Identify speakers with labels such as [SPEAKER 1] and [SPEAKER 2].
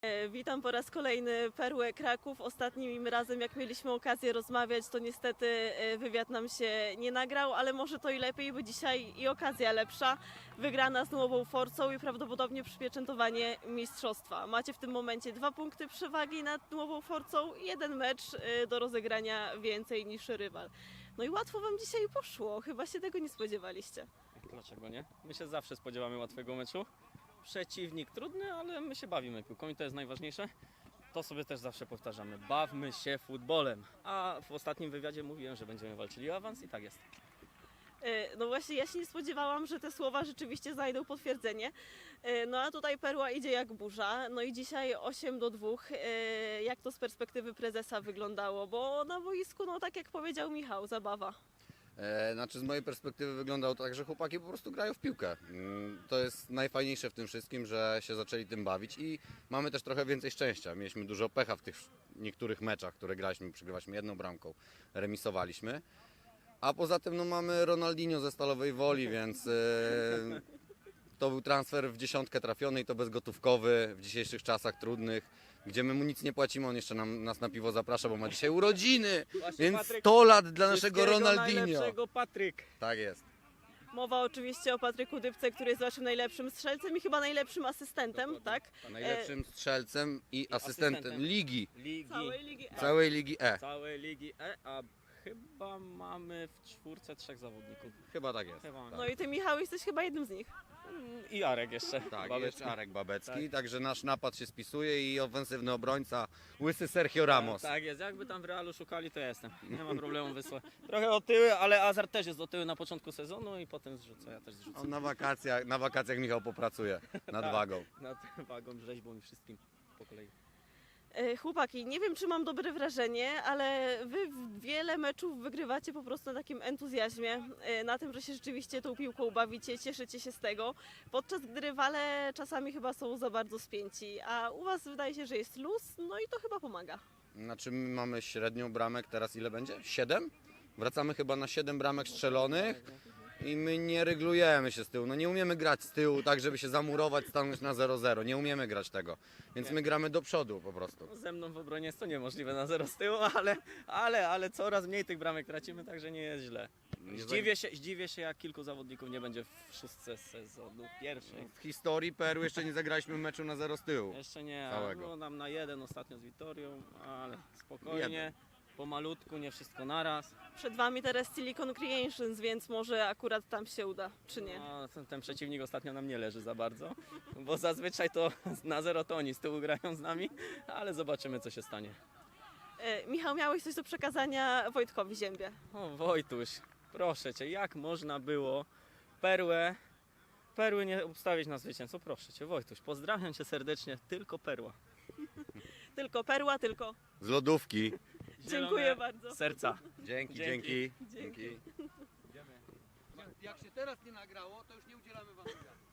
[SPEAKER 1] Witam po raz kolejny Perłę Kraków. Ostatnim razem, jak mieliśmy okazję rozmawiać, to niestety wywiad nam się nie nagrał, ale może to i lepiej, bo dzisiaj i okazja lepsza. Wygrana z Nową Forcą i prawdopodobnie przypieczętowanie mistrzostwa. Macie w tym momencie 2 punkty przewagi nad Nową Forcą i 1 mecz do rozegrania więcej niż rywal. No i łatwo wam dzisiaj poszło, chyba się tego nie spodziewaliście.
[SPEAKER 2] Dlaczego nie? My się zawsze spodziewamy łatwego meczu. Przeciwnik trudny, ale my się bawimy piłką i to jest najważniejsze. To sobie też zawsze powtarzamy. Bawmy się futbolem. A w ostatnim wywiadzie mówiłem, że będziemy walczyli o awans i tak jest.
[SPEAKER 1] No właśnie, ja się nie spodziewałam, że te słowa rzeczywiście znajdą potwierdzenie. No a tutaj Perła idzie jak burza. No i dzisiaj 8-2. Jak to z perspektywy prezesa wyglądało? Bo na boisku, no tak jak powiedział Michał, zabawa.
[SPEAKER 3] Znaczy z mojej perspektywy wyglądało to tak, że chłopaki po prostu grają w piłkę. To jest najfajniejsze w tym wszystkim, że się zaczęli tym bawić i mamy też trochę więcej szczęścia. Mieliśmy dużo pecha w tych niektórych meczach, które graliśmy, przegrywaliśmy 1 bramką, remisowaliśmy. A poza tym no, mamy Ronaldinho ze Stalowej Woli, więc to był transfer w dziesiątkę trafiony i to bezgotówkowy w dzisiejszych czasach trudnych, gdzie my mu nic nie płacimy, on jeszcze nas na piwo zaprasza, bo ma dzisiaj urodziny,
[SPEAKER 2] Właśnie,
[SPEAKER 3] więc
[SPEAKER 2] Patryk,
[SPEAKER 3] 100 lat dla naszego
[SPEAKER 2] Wszystkiego
[SPEAKER 3] Ronaldinho.
[SPEAKER 2] najlepszego, Patryk.
[SPEAKER 3] Tak jest.
[SPEAKER 1] Mowa oczywiście o Patryku Dybce, który jest waszym najlepszym strzelcem i chyba najlepszym asystentem,
[SPEAKER 2] Dokładnie.
[SPEAKER 1] tak?
[SPEAKER 3] Najlepszym strzelcem i asystentem ligi,
[SPEAKER 1] Całej Ligi E.
[SPEAKER 3] całej Ligi E.
[SPEAKER 2] Całej Ligi E, a chyba mamy w czwórce 3 zawodników.
[SPEAKER 3] Chyba tak jest.
[SPEAKER 2] Chyba.
[SPEAKER 1] No i ty, Michał, jesteś chyba jednym z nich.
[SPEAKER 2] I Arek jeszcze.
[SPEAKER 3] Tak,
[SPEAKER 2] Babeczki.
[SPEAKER 3] jest Arek Babecki, także nasz napad się spisuje i ofensywny obrońca łysy Sergio Ramos.
[SPEAKER 2] Tak jest, jakby tam w Realu szukali, to ja jestem. Nie ma problemu, wysłać. Trochę otyły, ale Azar też jest otyły na początku sezonu i potem zrzuca, ja też zrzucę.
[SPEAKER 3] On na wakacjach Michał popracuje nad
[SPEAKER 2] Tak.
[SPEAKER 3] wagą.
[SPEAKER 2] Nad wagą, rzeźbą i wszystkim po kolei.
[SPEAKER 1] Chłopaki, nie wiem, czy mam dobre wrażenie, ale wy wiele meczów wygrywacie po prostu na takim entuzjazmie, na tym, że się rzeczywiście tą piłką bawicie, cieszycie się z tego, podczas gdy rywale czasami chyba są za bardzo spięci, a u was wydaje się, że jest luz, no i to chyba pomaga.
[SPEAKER 3] Znaczy my mamy średnią bramek, teraz ile będzie? 7? Wracamy chyba na 7 bramek strzelonych i my nie ryglujemy się z tyłu. No nie umiemy grać z tyłu tak, żeby się zamurować, stanąć na 0-0. Nie umiemy grać tego. Więc my gramy do przodu po prostu.
[SPEAKER 2] No, ze mną w obronie jest to niemożliwe na 0 z tyłu, ale coraz mniej tych bramek tracimy, także nie jest źle. Zdziwię się, jak kilku zawodników nie będzie w 6 sezonu pierwszej.
[SPEAKER 3] W historii Peru jeszcze nie zagraliśmy meczu na 0 z tyłu.
[SPEAKER 2] Jeszcze nie,
[SPEAKER 3] Całego.
[SPEAKER 2] było nam na 1 ostatnio z Wittorią, ale spokojnie,
[SPEAKER 3] Jeden.
[SPEAKER 2] pomalutku, nie wszystko naraz.
[SPEAKER 1] Przed wami teraz Silicon Creations, więc może akurat tam się uda, czy nie?
[SPEAKER 2] No, ten przeciwnik ostatnio nam nie leży za bardzo, bo zazwyczaj to na 0 to oni z tyłu grają z nami, ale zobaczymy, co się stanie.
[SPEAKER 1] Michał, miałeś coś do przekazania Wojtkowi Ziębie.
[SPEAKER 2] O Wojtuś, proszę Cię, jak można było Perły nie ustawić na zwycięstwo? Proszę Cię, Wojtuś, pozdrawiam Cię serdecznie, tylko Perła.
[SPEAKER 1] Tylko Perła, tylko...
[SPEAKER 3] Z lodówki.
[SPEAKER 1] Dziękuję bardzo.
[SPEAKER 2] Serca.
[SPEAKER 3] Dzięki,
[SPEAKER 2] Dzięki.
[SPEAKER 3] dzięki.
[SPEAKER 1] Dzięki.
[SPEAKER 3] Jak się teraz nie nagrało, to już nie udzielamy wam wywiadu.